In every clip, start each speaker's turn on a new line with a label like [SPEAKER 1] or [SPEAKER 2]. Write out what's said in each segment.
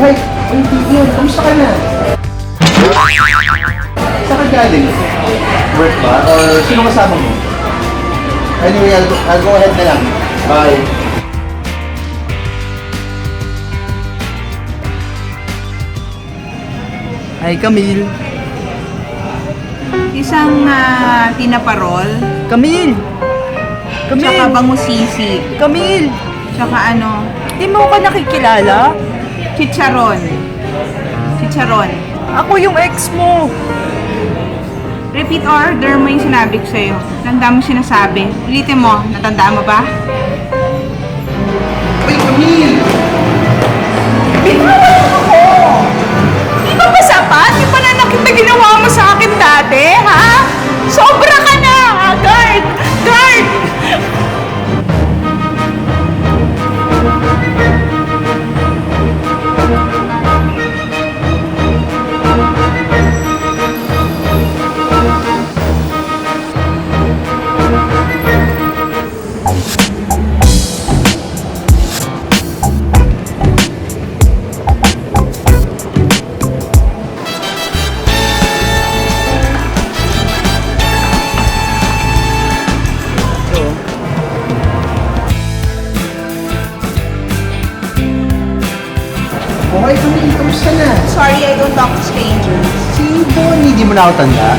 [SPEAKER 1] hi! Uy, Vivian, kamusta ka na? Saan ka galing? Work ba? Or sino kasama mo? Anyway, I'll go ahead na lang. Bye!
[SPEAKER 2] Hi, Camille.
[SPEAKER 3] Isang tinaparol,
[SPEAKER 2] Camille!
[SPEAKER 3] tsaka
[SPEAKER 2] Camille!
[SPEAKER 3] bangusisi,
[SPEAKER 2] Camille!
[SPEAKER 3] tsaka ano,
[SPEAKER 2] Di mo ko nakikilala?
[SPEAKER 3] chicharon. Chicharon.
[SPEAKER 2] Ako yung ex mo.
[SPEAKER 3] Repeat order mo yung sinabi ko sa'yo. Tanda mo sinasabi. Ulitin mo. Natandaan mo ba?
[SPEAKER 1] Uy, Camille!
[SPEAKER 3] Binawan ako! Di ba ba sapat? Yung pananakit na ginawa mo sa akin dati, ha? Sobra ka na! Guard! Guard!
[SPEAKER 1] Okay, Camille, kamusta na?
[SPEAKER 3] Sorry, I don't talk to strangers.
[SPEAKER 1] Si Bonnie, di mo na ako tanda?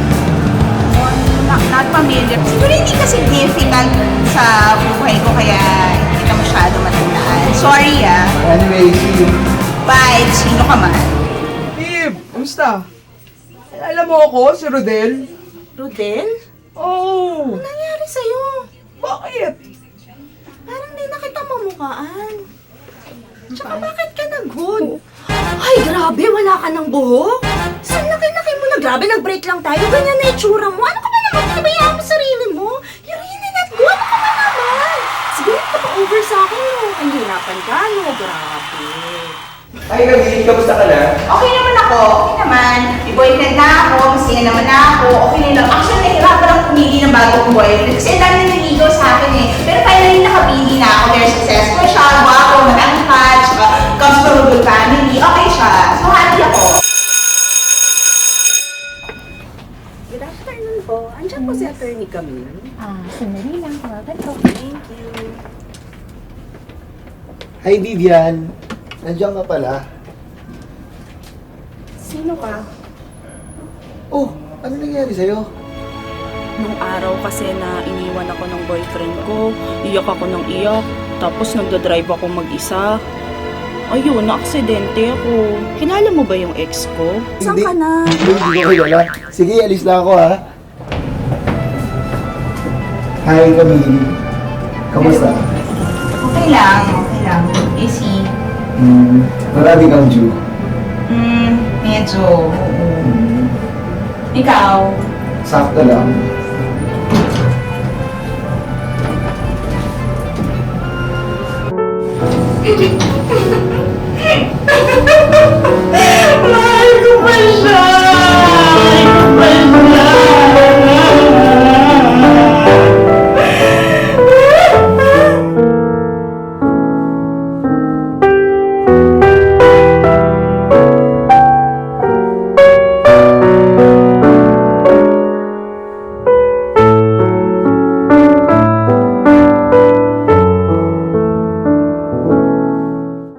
[SPEAKER 3] Not familiar. Siguro hindi kasi difficult sa buhay ko kaya hindi ka masyado matandaan. Sorry
[SPEAKER 1] Anyway, see you.
[SPEAKER 3] Bye! Sino ka man?
[SPEAKER 2] Babe, kamusta? Alam mo ako, si Rodel?
[SPEAKER 3] Rodel?
[SPEAKER 2] Oo.
[SPEAKER 3] Ano nangyari sa'yo?
[SPEAKER 2] Bakit?
[SPEAKER 3] Parang di na kita mamukhaan. Tsaka bakit ka nag-hood? Ay, grabe! Wala ka ng buhok? Saan laki-laki mo na? Grabe, nag-break lang tayo. Ganyan na itsura mo. Ano ka ba naman? Pinabayaan mo sarili mo? You're really not good. Ano ka ba naman? Siguro ka pa-over sa akin, no? Ang hirapan ka, no? Grabe.
[SPEAKER 1] Hi, Camille, kamusta ka na?
[SPEAKER 3] Okay naman ako. Okay naman. May boyfriend na ako. Masaya naman na ako. Okay na lang. Actually, nahirapan ako pumili ng bagong boyfriend. Kasi ang dami na naligaw sa akin eh. Pero finally nakapili na ako. Very successful siya. Guwapo, mag-angkat. Saka comes from a good family. Okay siya. So happy ako.
[SPEAKER 4] Good afternoon po. Andiyan po si Attorney Camille.
[SPEAKER 5] Sandali lang, tawagan ko.
[SPEAKER 4] Thank you.
[SPEAKER 1] Hi, Vivian. Nandiyan ka pala.
[SPEAKER 4] Sino ka?
[SPEAKER 1] Oh, ano nangyari sa'yo?
[SPEAKER 4] Nung araw kasi na iniwan ako ng boyfriend ko, iyak ako ng iyak, tapos nagdadrive ako mag-isa. Ayun, na-aksidente ako. Kilala mo ba yung ex ko? Saan ka na?
[SPEAKER 1] Hindi ko kilala. Sige, alis na ako, ha? Hi, Camille. Kamusta?
[SPEAKER 3] Okay lang. Okay lang. Busy.
[SPEAKER 1] Marami kang due.
[SPEAKER 3] Medyo. Oo. Ikaw?
[SPEAKER 1] Sakto lang.